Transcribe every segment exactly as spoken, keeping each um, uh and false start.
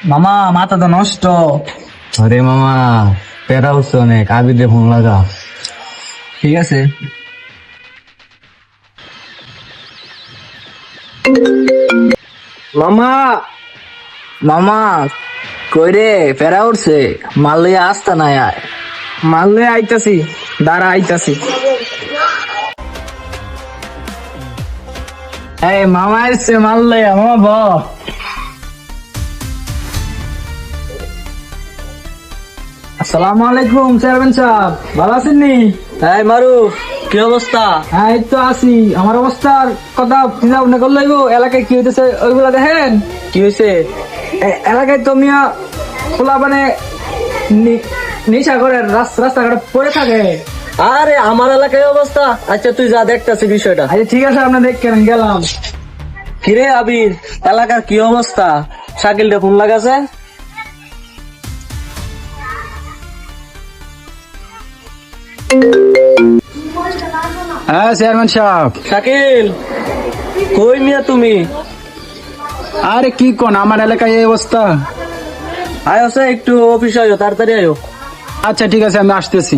মামা মাথা তো নষ্ট। আরে মামা প্যারা হচ্ছে অনেক, আবিদে ফোন লাগা। ঠিক আছে। মামা মামা কই রে, ফেরা উঠছে? মাল লইয়া আসতা না আয়। মারলে আইতাছি, দাঁড়া আইতাছি। এই মামা এসছে মাল লইয়া, মামা ব। আসসালামু আলাইকুম চেয়ারম্যান সাহেব, ভালো আছেন নি? এই মারু, কি অবস্থা? হ্যাঁ এই তো আছি। আমার অবস্থার কথা চিন্তা ভাবনা করলে এলাকায় কি হইতেছে ওইগুলা দেখেন। কি হয়েছে? এ- এলাকায় তো মিয়া খোলা মানে নি- নেশা করে রাস- রাস্তাঘাটে পড়ে থাকে। আরে আমার এলাকায় অবস্থা, আচ্ছা তুই যা দেখতাছি বিষয়টা। আচ্ছা ঠিক আছে, আপনার দেখেন গেলাম। কিরে আবির, এলাকার কি অবস্থা? শাকিলটা ফোন লাগাছে? হ্যাঁ চেয়ারম্যান সাহেব। শাকিল, কই মিয়া তুমি? আরে কি কোন, আমার এলাকায় এই অবস্থা। আয়ো সে একটু অফিসে আয়ো, তাড়াতাড়ি আয়ো। আচ্ছা ঠিক আছে, আমি আসতেছি।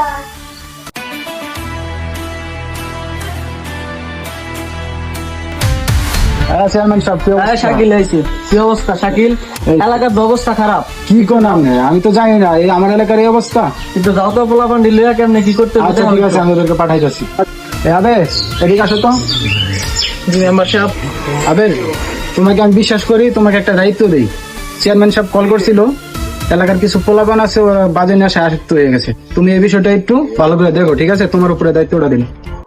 হ্যাঁ চেয়ারম্যান সাহেব, কি হ্যাঁ অবস্থা? শাকিল আইছে। কি অবস্থা শাকিল? এই- এলাকার তো অবস্থা খারাপ। কি কোন আপনি? আমি তো জানি না এই আমার এলাকার এই অবস্থা। কিন্তু যাও তো পোলা পান্ডি লইয়া কেমনে কি করতে আচ্ছা ঠিক আছে, আমি ওদেরকে পাঠাই যাচ্ছি। আবে এদিকে আসো তো। মেম্বার সাহেব। আবে তোমাকে আমি বিশ্বাস করি, তোমাকে একটা দায়িত্ব দেই। চেয়ারম্যান সাহেব কল করছিল, এলাকার কিছু পোলাপান আছে ওরা বাজে নেশায় আসক্ত হয়ে গেছে। তুমি এই বিষয়টা একটু ভালো করে দেখো, ঠিক আছে? তোমার উপরে দায়িত্বটা দিন।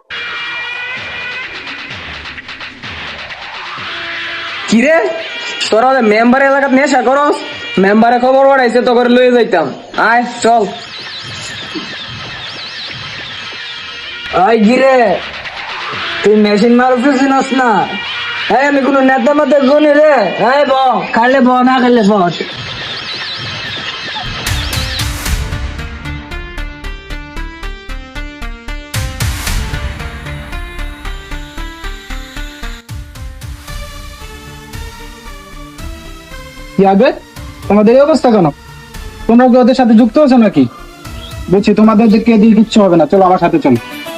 কিরে তোরা মেম্বার এলাকাত নেশা করস? মেম্বারে খবর পাঠাইছে তো করে লয়ে যাইতাম। আয় চল। ওই গিরে, তুই মেশিন মারুফে চিনস না? এই আমি কোনো নেতা মাতে গুনি রে। এই ব খাইলে ব, না খাইলে ব। কি আবে তোমাদের এই অবস্থা কেন? তোমরা কি ওদের সাথে যুক্ত আছো নাকি? বলছি তোমাদের কে দিয়ে কিচ্ছু হবে না, চলো আমার সাথে চলো।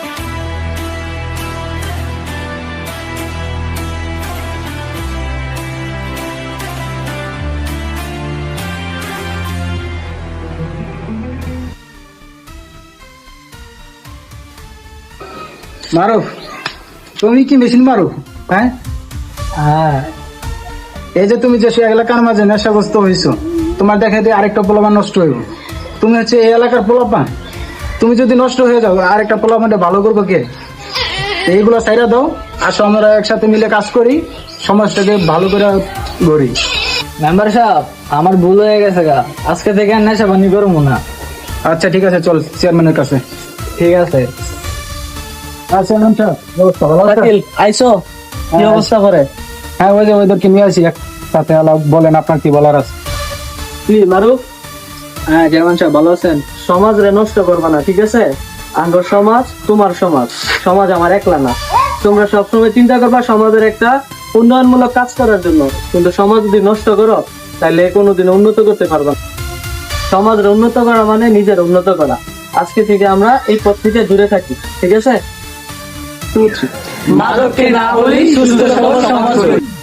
মারো, তুমি কি মেশিন মারো? হ্যাঁ হ্যাঁ, এই যে তুমি যে সে এলাকার মাঝে নেশাগ্রস্ত হয়েছো, তোমার দেখা দিয়ে আরেকটা পোলাপান নষ্ট হইব। তুমি হচ্ছে এই এলাকার পোলাপান, তুমি যদি নষ্ট হয়ে যাও আরেকটা পোলাপানটা ভালো করবো কে? এইগুলো সাইরা দাও, আসো আমরা একসাথে মিলে কাজ করি, সমাজটাকে ভালো করে গড়ি। মেম্বার সাহেব, আমার ভুল হয়ে গেছে গা, আজকে থেকে আর নেশা বানি করবো না। আচ্ছা ঠিক আছে, চল চেয়ারম্যানের কাছে। ঠিক আছে। আচ্ছা চেয়ারম্যান সাহেব, ব্যবস্থা ভালো আছে? শাকিল আইছো? কি হ্যাঁ, অবস্থা করে? হ্যাঁ ওই যে ওদেরকে নিয়ে আসি একসাথে, আলাপ বলেন আপনার কি বলার আছে। কি মারু? হ্যাঁ চেয়ারম্যান সাহেব, ভালো আছেন? সমাজ রে নষ্ট করবা না, ঠিক আছে? আঙ্গর সমাজ তোমার সমাজ, সমাজ আমার একলা না। তোমরা সবসময় চিন্তা করবা সমাজের একটা উন্নয়নমূলক কাজ করার জন্য, কিন্তু সমাজ যদি নষ্ট করো তাহলে কোনোদিন উন্নত করতে পারবা না। সমাজের উন্নত করা মানে নিজের উন্নত করা। আজকে থেকে আমরা এই পথ থেকে দূরে থাকি, ঠিক আছে? মাদককে না বলি সুস্থ সবল সমাজ করি।